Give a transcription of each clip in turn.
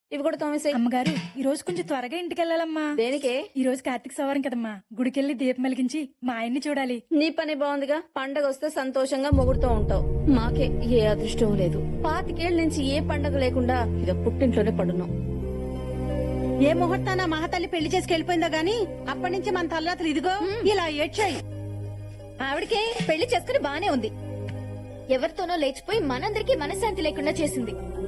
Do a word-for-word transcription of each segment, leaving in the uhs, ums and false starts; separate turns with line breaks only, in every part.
ఇవి కూడా తోమేసాయి.
అమ్మగారు ఈ రోజు కొంచెం త్వరగా ఇంటికి వెళ్ళాలమ్మా.
దేనికే?
ఈ రోజు కార్తీక సోమవారం కదమ్మా, గుడికెళ్ళి దీపం వెలిగించి మా ఆయన్ని చూడాలి.
నీ పని బాగుందిగా. పండగ వస్తే సంతోషంగా మొగుడుతూ ఉంటావు. మాకే ఏ అదృష్టం లేదు. పాతికేళ్ల నుంచి ఏ పండగ లేకుండా ఇక పుట్టింట్లోనే పడున్నాం.
ఏ ముహూర్తాన మహాతల్లి పెళ్లి చేసుకు వెళ్ళిపోయిందో గాని అప్పటి నుంచి మన తల్లాతలు ఇదిగో ఇలా ఏడ్చాయి.
ఆవిడకే పెళ్లి చేసుకుని బానే ఉంది. ఎవరితోనో లేచిపోయి మనందరికీ మనశ్శాంతి లేకుండా చేసింది.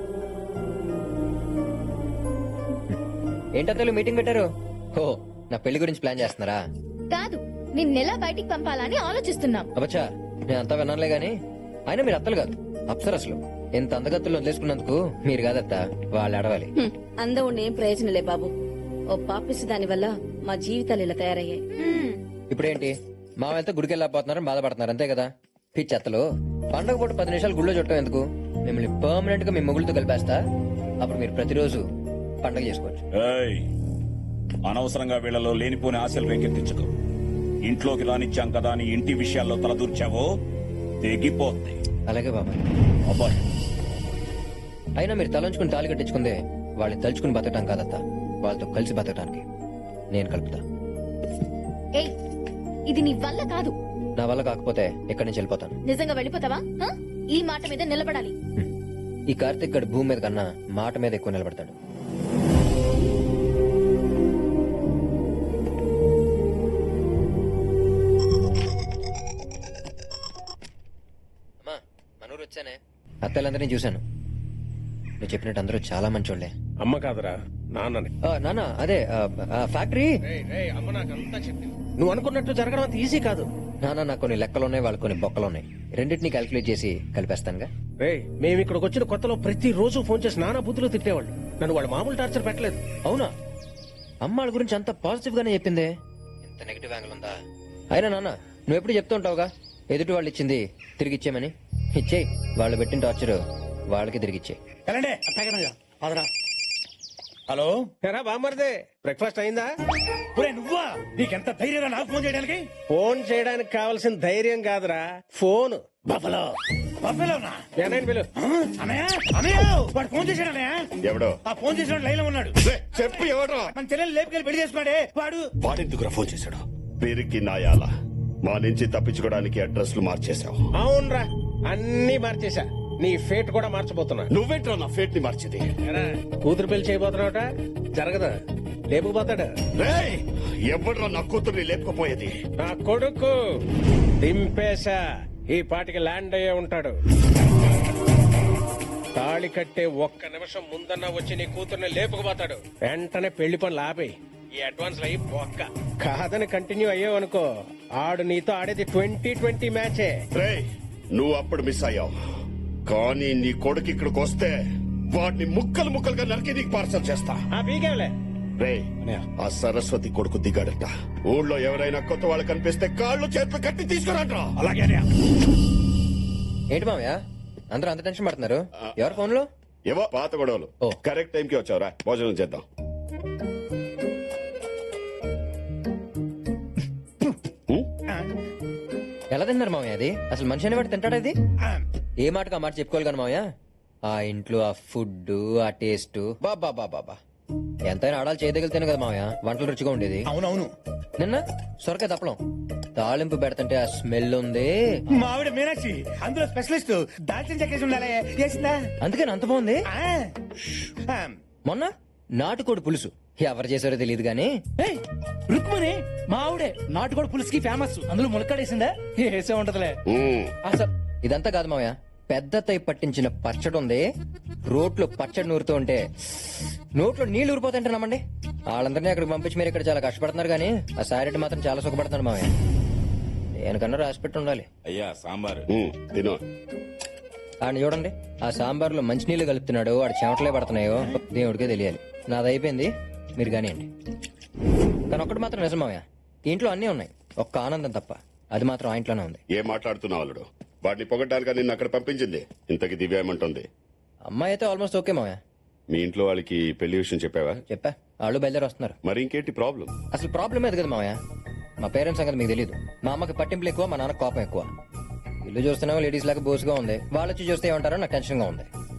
ఏంటో మీటింగ్ పెట్టారు? ఓ, నా పెళ్లి గురించి ప్లాన్ చేస్తున్నారా?
కాదు, నిన్నెలా బయటికి పంపాలని ఆలోచిస్తున్నాం.
అబ్బచ్చా, నేను అంతా విన్నానులే గాని అయినా మీరు అత్తలు కాదు, అప్సరసలు. ఇంత అందగత్తులు వదిలేసుకున్నందుకు మీరు కాదత్త, వాళ్ళు అడవాలి.
హ్మ్. అందవుని ఏం ప్రయోజనలే బాబు. ఓ పాపిసి దాని వల్ల మా జీవితాలు ఇలా తయారయ్యాయి.
ఇప్పుడేంటి మా వెళ్తే గుడికి వెళ్ళకపోతున్నారని బాధపడుతున్నారు, అంతే కదా? పిచ్చత్తలు, పండగ పూట పది నిమిషాలు గుళ్ళో చుట్టం ఎందుకు? మిమ్మల్ని పర్మనెంట్ గా మీ మొగుళ్ళతో కలిపేస్తా. అప్పుడు మీరు ప్రతిరోజు పండగ చేసుకోవచ్చు.
ఏయ్, అనవసరంగా వీళ్ళలో లేనిపోని ఆశలు రేకెత్తించుకో. ఇంట్లోకి రానిచ్చాం కదా అని ఇంటి విషయాల్లో తలదూర్చావో తెగిపోద్ది.
అలాగే బాబాయ్.
అబ్బాయి,
అయినా మీరు తలంచుకుని తాళి కట్టించుకుందే వాళ్ళని తలుచుకుని బతకటం కాదత్తా, వాళ్ళతో కలిసి బతకటానికి. నేను కలుపుతా.
ఏయ్, ఇది నీ వల్ల కాదు.
నా వల్ల కాకపోతే ఇక్కడి నుంచి వెళ్ళిపోతాను.
నిజంగా వెళ్ళిపోతావా? ఆ? ఈ మాట మీద నిలబడాలి.
ఈ కార్తీక్ గడు భూమి మీద కన్నా మాట మీద ఎక్కువ నిలబడతాడు. అమ్మా, మనూరు వచ్చానే. అత్తలందరినీ చూశాను. నువ్వు చెప్పినట్టు అందరూ చాలా మంచోళ్లే.
అమ్మ కాదురా, నాన్నని.
ఆ, నాన్న అదే ఆ, ఆ, ఫ్యాక్టరీ.
అమ్మ నాకంతా చెప్పింది. నువ్వు అనుకున్నట్టు జరగడం అంత ఈజీ కాదు.
నాన్న, నాకు కొన్ని లెక్కలున్నాయి, వాళ్ళు కొన్ని బొక్కలున్నాయి. రెండింటినీ క్యాల్కులేట్ చేసి కలిపేస్తానుగా.
రే, మేము ఇక్కడికి వచ్చిన కొత్తలో ప్రతి రోజు ఫోన్ చేసి నానా బుద్ధులు తిట్టేవాళ్ళు. నన్ను వాళ్ళు మామూలు టార్చర్ పెట్టలేదు.
అవునా? అమ్మ వాళ్ళ గురించి అంత పాజిటివ్ గానే చెప్పిందే. ఇంత నెగిటివ్ యాంగిల్ ఉందా? అయినా నాన్న, నువ్వు ఎప్పుడు చెప్తూ ఉంటావుగా ఎదుటి వాళ్ళు ఇచ్చింది తిరిగి ఇచ్చేయమని. ఇచ్చేయి. వాళ్ళు పెట్టిన టార్చర్ వాళ్ళకి తిరిగి ఇచ్చేయి.
హలో,
ఎరా బామ్మర్దే, బ్రేక్ఫాస్ట్ అయిందా?
నువ్వా? నీకెంత ధైర్యం నాకు ఫోన్ చేయడానికి?
ఫోన్ చేయడానికి కావాల్సిన ధైర్యం కాదురా, ఫోన్.
బఫలో బఫలోనా?
ఏనాయన పిలు.
అనయ్య, అనయ్య, వాడు ఫోన్ చేశాడు అన్నయ్య.
ఎవడో
ఆ ఫోన్ చేసిన లైన్ లో ఉన్నాడు.
చెప్పు, ఎవడో?
మన చెల్లెలు లేపుకెళ్ళి పెళ్లి చేసుకున్నాడే వాడు.
వాడెందుకురా ఫోన్ చేశాడు? పేరుకి నాయాల మా నుంచి తప్పించుకోవడానికి అడ్రస్లు మార్చేశావు.
అవునరా, అన్ని మార్చేశా. నీ ఫేట్ కూడా మార్చబోతున్నా.
నువ్వేంట్రా నా ఫేట్ ని మార్చింది?
ఎరా, కూతురు పెళ్లి చేయబోతున్నావుట, జరగదా? లేపుకుపోతాడు.
రేయ్, ఎవడ్రా నా కూతుర్ని లేపుకుపోయేది?
నా కొడుకు దింపేశా. ఈ పాటికి ల్యాండ్ అయ్యే ఉంటాడు. తాళి కట్టే ఒక్క నిమిషం ముందన్నా వచ్చి నీ కూతుర్ని లేపుకుపోతాడు. వెంటనే పెళ్లి పనులు ఆపేయి. ఈ అడ్వాన్స్ అయ్యి ఒక్క కాదని కంటిన్యూ అయ్యావు అనుకో, ఆడు నీతో ఆడేది ట్వంటీ ట్వంటీ మ్యాచే.
రేయ్, నువ్వు అప్పుడు మిస్ అయ్యావు, కానీ నీ కొడుకు ఇక్కడికి వస్తే వాడిని ముక్కలు ముక్కలుగా నరికి నీకు పార్సల్ చేస్తా.
ఆ పీకేవలే.
రేయ్, ఆ సరస్వతి కొడుకు దిగాడట. ఊళ్ళో ఎవరైనా కొత్త వాళ్ళు కనిపిస్తే కాళ్ళు చేతులు కట్టి తీసుకురాట్రా.
అలాగే
ఏంటి మామయ్య అందరూ అంత టెన్షన్ పడుతున్నారు? ఎవరు ఫోన్ లో?
ఏవో పాత గొడవలు.
ఓ.
కరెక్ట్ టైం కి వచ్చావురా, భోజనం చేద్దాం.
ఎలా తిన్నారు మామయ్య? అది అసలు మనిషి అనేవాడు తింటాడా? ఇది ఏ మాటకు ఆ మాట చెప్పుకోవాలి కానీ మామయ్య, ఆ ఇంట్లో ఆ ఫుడ్, ఆ టేస్ట్, బాబా బాబా బాబా, ఎంతైనా ఆడాలి చేయదగిలితేనే కదా మామయ్య వంటలు రుచిగా ఉండేది.
అవునవును.
నిన్న సొరకాయ తప్పలం తాలింపు పెడతంటే ఆ స్మెల్ ఉంది.
మా ఆవిడ మీనాక్షి అందులో స్పెషలిస్ట్. దాల్చిన చెక్కేసి ఉండాలి, చేసిందా?
అందుకని అంత బాగుంది.
ఆ.
మొన్న నాటుకోడి పులుసు ఎవరు చేశారో తెలియదు గానీ
రుక్మని మా ఆవిడే నాటుకోడి పులుసుకి ఫేమస్. అందులో ములక్కాడేసిందా? వేసే ఉంటదిలే.
అసలు ఇదంతా కాదు మామయ్య, పెద్ద తై పట్టించిన పచ్చడి ఉంది. రోట్లో పచ్చడి నూరుతూ ఉంటే నోట్లో నీళ్లు ఊరిపోతుంటే నమ్మండి. వాళ్ళందరినీ అక్కడికి పంపించి మీరు ఇక్కడ చాలా కష్టపడుతున్నారు కానీ ఆ సారెడ్డి మాత్రం చాలా సుఖపడుతున్నాడు మామయ్య. దేనికన్నా రాసి పెట్టి ఉండాలి.
అయ్యా సాంబార్
తిను.
ఆయన చూడండి, ఆ సాంబార్లో మంచినీళ్లు కలుపుతున్నాడు, వాడు చెమటలే పడుతున్నాయో దేవుడికే తెలియాలి. నాది అయిపోయింది, మీరు కానివ్వండి. కానీ ఒక్కటి మాత్రం నిజం మామయ్య, ఇంట్లో అన్నీ ఉన్నాయి, ఒక్క ఆనందం తప్ప. అది మాత్రం ఆ ఇంట్లోనే ఉంది.
ఏం మాట్లాడుతున్నావు అల్లుడు? వాడిని పొగడ్డానికి నిన్ను అక్కడ పంపించింది. ఇంతకి దివ్య ఏమంటుంది?
అమ్మాయి అయితే ఆల్మోస్ట్ ఓకే మామయ్య.
మీ ఇంట్లో వాళ్ళకి పెళ్లి విషయం చెప్పావా?
చెప్పా, వాళ్ళు బయలుదేరి వస్తున్నారు.
మరి ఇంకేంటి ప్రాబ్లం?
అసలు ప్రాబ్లం ఏది కదా మామయ్య, మా పేరెంట్స్ సంగతి మీకు తెలియదు. మా అమ్మకి పట్టింపులు ఎక్కువ, మా నాన్న కోపం ఎక్కువ. ఇల్లు చూస్తున్నావు లేడీస్ లాగా బోసుగా ఉంది, వాళ్ళు వచ్చి చూస్తే ఏమంటారో నాకు టెన్షన్ గా ఉంది.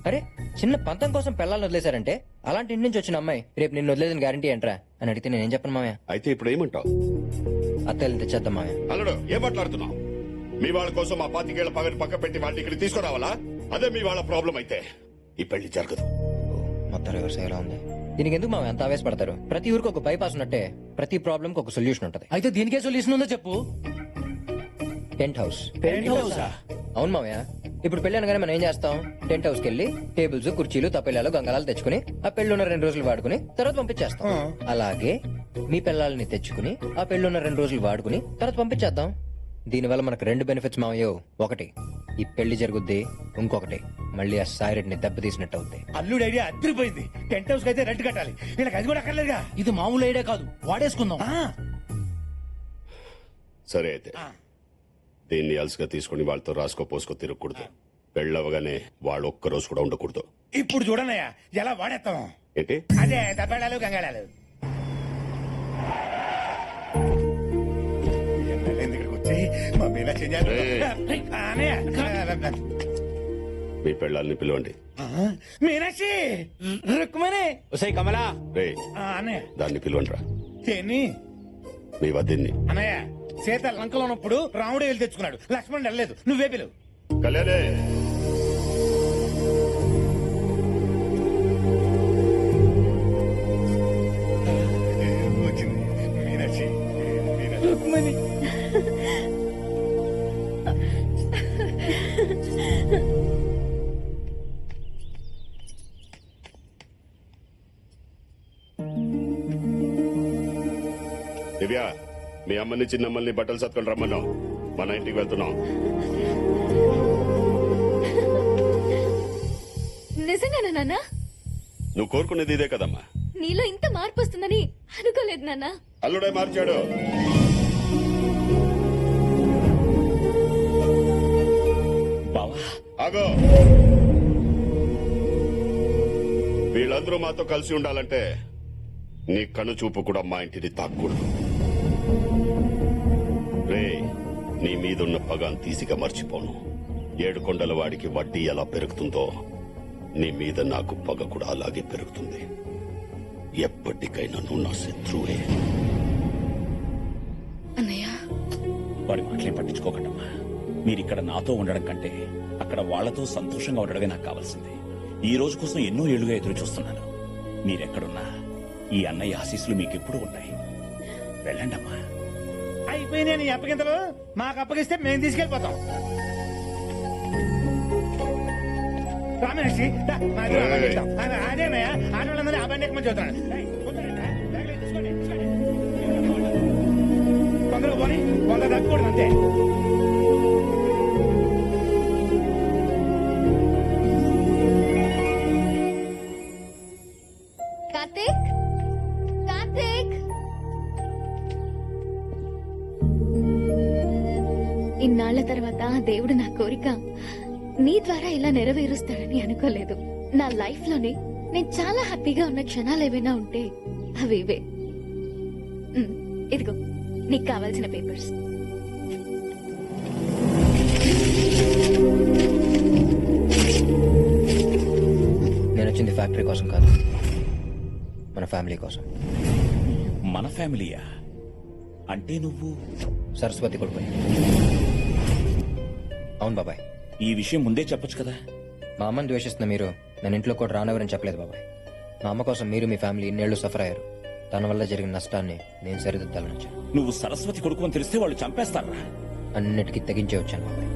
అరే చిన్న పంతం కోసం పిల్లల్ని వదిలేశారంటే అలాంటి ఇంటి నుంచి వచ్చిన అమ్మాయి రేపు నిన్ను వదిలేదని గ్యారంటీ ఏంట్రా అని అడిగితే నేనేం చెప్పను మామయ్య.
అయితే ఇప్పుడు ఏమంటావు?
అత్తయ్యని తెచ్చేద్దాం మామయ్య.
అల్లుడు ఏం మాట్లాడుతున్నావు? మీ వాళ్ళ కోసం ఆ పాతికేళ్ల పగని పక్క పెట్టి వాళ్ళని ఇక్కడ తీసుకురావాలా? అదే మీ వాళ్ళ ప్రాబ్లం అయితే ఈ పెళ్లి జరగదు.
మొత్తం రివర్స్ అయ్యేలా ఉంది. దీనికి ఎందుకు మామయ్య అంత ఆవేశపడతారు? ప్రతి ఊరికి ఒక బైపాస్ ఉన్నట్టే ప్రతి ప్రాబ్లం కి ఒక సొల్యూషన్ ఉంటది.
అయితే దీనికే సొల్యూషన్ ఉందో చెప్పు.
Tent house.
టెంట్ హౌసా?
అవును మామయ్య. ఇప్పుడు పెళ్లి అనగానే మనం ఏం చేస్తాం? టెంట్ హౌస్ కి వెళ్ళి టేబుల్స్, కుర్చీలు, తప్పెళ్ళాలు, గంగళాలు తెచ్చుకుని ఆ పెళ్లి ఉన్న రెండు రోజులు వాడుకుని తర్వాత పంపించేస్తాం. అలాగే మీ పిల్లల్ని తెచ్చుకుని ఆ పెళ్లి ఉన్న రెండు రోజులు వాడుకుని తర్వాత పంపించేద్దాం. దీనివల్ల మనకు రెండు బెనిఫిట్స్ మామయ్యో. ఒకటి ఈ పెళ్లి జరుగుద్ది, ఇంకొకటి మళ్ళీ ఆ సాయిరెడ్డిని దెబ్బతీసినట్టు అవుద్ది.
అల్లుడు ఐడియా అద్దరిపోయింది. టెంట్ హౌస్ కి అయితే రెంట్ కట్టాలి, వీళ్ళకి అది కూడా అక్కర్లేదుగా.
ఇది మామూలు ఐడియా కాదు, వాడేసుకుందాం.
సరే అయితే దీన్ని అలసిగా తీసుకుని వాళ్ళతో రాసుకో పోసుకో తిరగకూడదు. పెళ్ళవగానే వాళ్ళు ఒక్క రోజు కూడా ఉండకూడదు.
ఇప్పుడు చూడనయ్యా ఎలా వాడేస్తాం.
ఏంటి?
అదే దబ్బేళాలు గంగాళాలు. ఇక్కడికి వచ్చి మా మీనాక్షి
మీ పెళ్ళాలని పిలవండి.
మీనాక్షి
రుక్మణి ఒసై కమలా
రే
అన్నయ్య
దాన్ని పిలవండి రా.
ఏంటి
మీ వద్దిన్ని.
అన్నయ్య సీత లంకలో ఉన్నప్పుడు రాముడే వెళ్ళి తెచ్చుకున్నాడు, లక్ష్మణుడు వెళ్ళలేదు. నువ్వే పిలువు.
కళ్యాణే
వచ్చింది మీనాక్షి. మీనాక్షి
దివ్య, మీ అమ్మని చిన్నమ్మల్ని బట్టలు సత్కొని రమ్మన్నాం. మన ఇంటికి వెళ్తున్నాం.
నిజంగానా నాన్న?
నువ్వు కోరుకునేది ఇదే కదమ్మా.
నీలో ఇంత మార్పు వస్తుందని అనుకోలేదు నాన్న.
అల్లుడే మార్చాడు. ఆగో, వీళ్ళందరూ మాతో కలిసి ఉండాలంటే నీ కను చూపు కూడా మా ఇంటిని తాక్కూడదు. రే, నీ మీదున్న పగాన్ తీసిగా మర్చిపోను. ఏడు కొండల వాడికి వడ్డీ ఎలా పెరుగుతుందో నీ మీద నాకు పగ కూడా అలాగే పెరుగుతుంది. ఎప్పటికైనా నువ్వు నా శత్రువే.
అన్నయ్య,
వాడి మాటలేం పట్టించుకోకండమ్మా. మీరిక్కడ నాతో ఉండడం కంటే అక్కడ వాళ్లతో సంతోషంగా ఉండడమే నాకు కావాల్సింది. ఈ రోజు కోసం ఎన్నో ఏళ్లుగా ఎదురు చూస్తున్నాను. మీరెక్కడున్నా ఈ అన్నయ్య ఆశీస్సులు మీకెప్పుడు ఉన్నాయి. వెళ్ళండమ్మా.
అయిపోయినాయి నీ అప్పగింతలు. మాకు అప్పగిస్తే మేము తీసుకెళ్లిపోతాం. రామేషి అదేనయ్యా, ఆడవాళ్ళందరూ ఆ బండి ఎక్కమని చెబుతాను. తొందరగా పోనీ, కొంత తగ్గకూడదు అంతే.
కార్తీక్, కార్తీక్, ఇన్నాళ్ల తర్వాత దేవుడు నా కోరిక నీ ద్వారా ఇలా నెరవేరుస్తాడని అనుకోలేదు. నా లైఫ్ లోనే నేను చాలా హ్యాపీగా ఉన్న క్షణాలు ఏవైనా ఉంటే అవి ఇవే. ఉమ్, ఇదిగో నీకు కావాల్సిన పేపర్స్.
నేను వచ్చింది ఫ్యాక్టరీ కోసం కాదు, మన ఫ్యామిలీ కోసం.
మన ఫ్యామిలీయా? అంటే నువ్వు
సరస్వతి కొడుకు. అవును బాబాయ్.
ఈ విషయం ముందే చెప్పొచ్చు కదా.
మా అమ్మని ద్వేషిస్తున్న మీరు నేను ఇంట్లో కూడా రానవరని చెప్పలేదు బాబాయ్. మా అమ్మ కోసం మీరు మీ ఫ్యామిలీ ఇన్నేళ్లు సఫర్ అయ్యారు. తన వల్ల జరిగిన నష్టాన్ని నేను సరిదిద్దాలని వచ్చాను.
నువ్వు సరస్వతి కొడుకు అని తెలిస్తే వాళ్ళు చంపేస్తారా?
అన్నిటికీ తెగించే వచ్చాను బాబాయ్.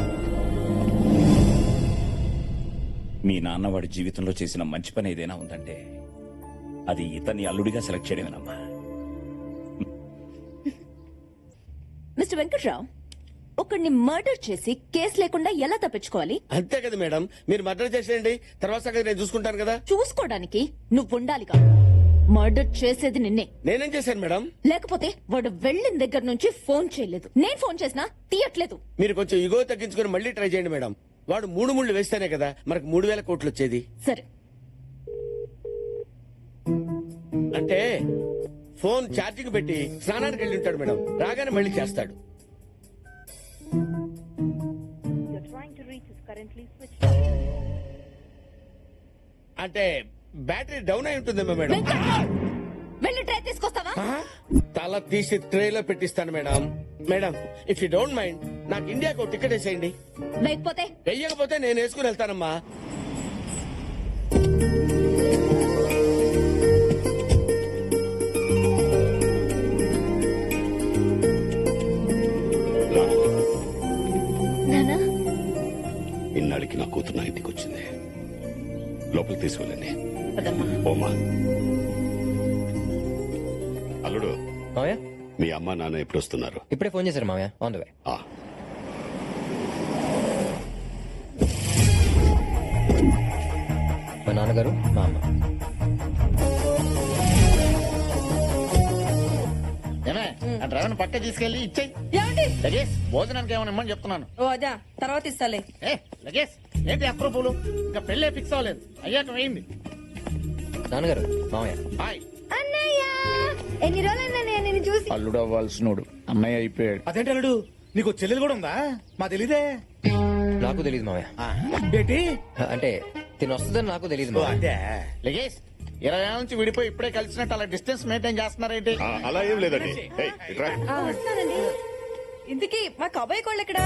మీ నాన్న వాడి జీవితంలో చేసిన మంచి పని ఏదైనా ఉందంటే అది ఇతన్ని అల్లుడిగా సెలెక్ట్ చేయడమేనమ్మా.
మిస్టర్ వెంకట్రావు, ఒకడిని మర్డర్ చేసి కేసు లేకుండా ఎలా తప్పించుకోవాలి?
అంతే కదా మేడం, మీరు మర్డర్ చేసేయండి, తర్వాత సంగతి నేను చూసుకుంటాను కదా.
చూసుకోవడానికి నువ్వు ఉండాలిగా. మర్డర్ చేసేది నిన్నే.
నేనేం చేశాను మేడం?
లేకపోతే వాడు వెళ్ళిన దగ్గర నుంచి ఫోన్ చేయలేదు. నేను ఫోన్ చేసినా తీయట్లేదు.
మీరు కొంచెం ఇగో తగ్గించుకుని మళ్ళీ ట్రై చేయండి మేడం. వాడు మూడు ముళ్ళు వేస్తేనే కదా మనకు మూడు వేల కోట్లు వచ్చేది.
సరే,
అంటే ఫోన్ ఛార్జింగ్ పెట్టి స్నానానికి వెళ్ళి ఉంటాడు మేడం. రాగానే మళ్ళీ చేస్తాడు. అంటే బ్యాటరీ డౌన్ అయి ఉంటుందేమో మేడం.
వెళ్ళి ట్రై తీసుకొస్తావా?
ఆ? తల తీసి ట్రేలో పెట్టిస్తాను madam. Madam if you don't mind నాకు ఇండియాకు టికెట్ వేసేయండి.
లేకపోతే
వెయ్యకపోతే నేను వేసుకుని వెళ్తానమ్మా.
రా.
నానా
ఇన్నాళ్ళకి నా కూతురు నా ఇంటికి వచ్చింది. లోపలికి తీసుకెళ్ళండి.
పదమ్మా.
ఓమా. అల్లుడు,
మామయ్య
మీ అమ్మ నాన్న ఎప్పుడు వస్తున్నారు?
ఇప్పుడే ఫోన్ చేశారు మామయ్య, ఆన్ ద వే.
ఆ,
మా నాన్నగారు, మా అమ్మ.
ఏమే ఆ డ్రైవర్ పక్క తీసుకెళ్లి ఇచ్చేయి.
ఏమండి?
లగేజ్ భోజనానికి ఏమైనా ఇమ్మని చెప్తున్నాను.
ఓ అదా, తర్వాత ఇస్తాలే.
ఏ లగేజ్ ఏంటి అప్రూపులు? ఇంకా పెళ్ళే ఫిక్స్ అవ్వలేదు, అయ్యాక వేయింది.
నాన్నగారు, మామయ్య.
హాయ్
అన్నయ్య ఎన్ని రోజులైనా నేను చూసి
అల్లుడు అవ్వాల్సినోడు అన్నయ్య అయిపోయాడు.
అదేంటి అల్లుడు, నీకు చెల్లెలు కూడా ఉందా? మా తెలీదే.
నాకు తెలియదు మామయ్య.
ఏంటి?
అంటే తిని వస్తుందని నాకు తెలియదు
ఓ,
మామయ్య.
అదే.
లగేజ్ ఇరవై ఏళ్ళ నుంచి విడిపోయి ఇప్పుడే కలిసినట్టు అలా డిస్టెన్స్ మెయింటైన్ చేస్తున్నారేంటి?
ఆ, అలా ఏం లేదండి. ఏయ్, ఇట్రా.
ఆ, వస్తానండి. ఇంతకీ మా కబాయి కోళ్ళు ఎక్కడా?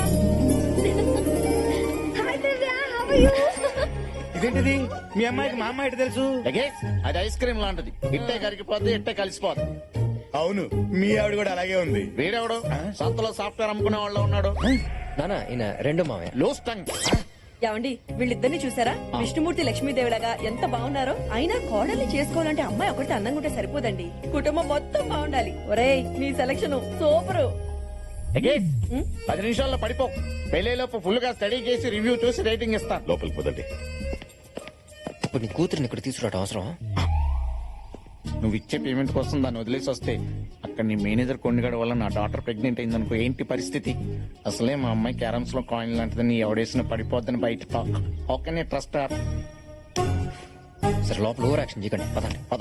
Hi Divya, how are you?
ఇదేంటిది? మీ అమ్మాయికి మా అమ్మాయి ఎటు తెలుసు?
లగేజ్ అది ఐస్ క్రీమ్ లాంటిది, ఇట్టే కరిగిపోద్ది ఇట్టే కలిసిపోద్ది.
అవును, మీ ఆవిడ కూడా అలాగే ఉంది.
వీడెవడు సంతలో సాఫ్ట్వేర్ అమ్ముకునే వాళ్ళు ఉన్నాడు.
నాన్న ఈయన రెండో మామయ్య.
Loose tongue.
ఏమండి వీళ్ళిద్దరిని చూసారా? విష్ణుమూర్తి లక్ష్మీదేవిలాగా ఎంత బాగున్నారో. అయినా కోడల్ని చేసుకోవాలంటే అమ్మాయి ఒకటి అందంగా ఉంటే సరిపోదండి, కుటుంబం మొత్తం బాగుండాలి. ఒరేయ్ నీ సెలక్షన్ సూపరు.
లగేజ్ పది నిమిషాల్లో పడిపో. పెళ్లిలోపు ఫుల్ గా స్టడీ చేసి రివ్యూ చూసి రేటింగ్ ఇస్తాను.
లోపలికి పోదండి.
ఇప్పుడు నీ కూతురిని ఇక్కడ తీసుకురావడం అవసరం?
నువ్వు ఇచ్చే పేమెంట్ కోసం దాన్ని వదిలేసి వస్తే అక్కడ నీ మేనేజర్ కొండగడ వల్ల నా డాటర్ ప్రెగ్నెంట్ అయిందనుకో, ఏంటి పరిస్థితి? అసలే మా అమ్మాయి క్యారమ్స్ లో కాయిన్ లాంటిది, నీ ఎవడేసిన పడిపోద్దని బయట టాక్. Okay trust.
సరే లోపల ఓవర్ యాక్షన్ చేయకండి, పదండి.
పద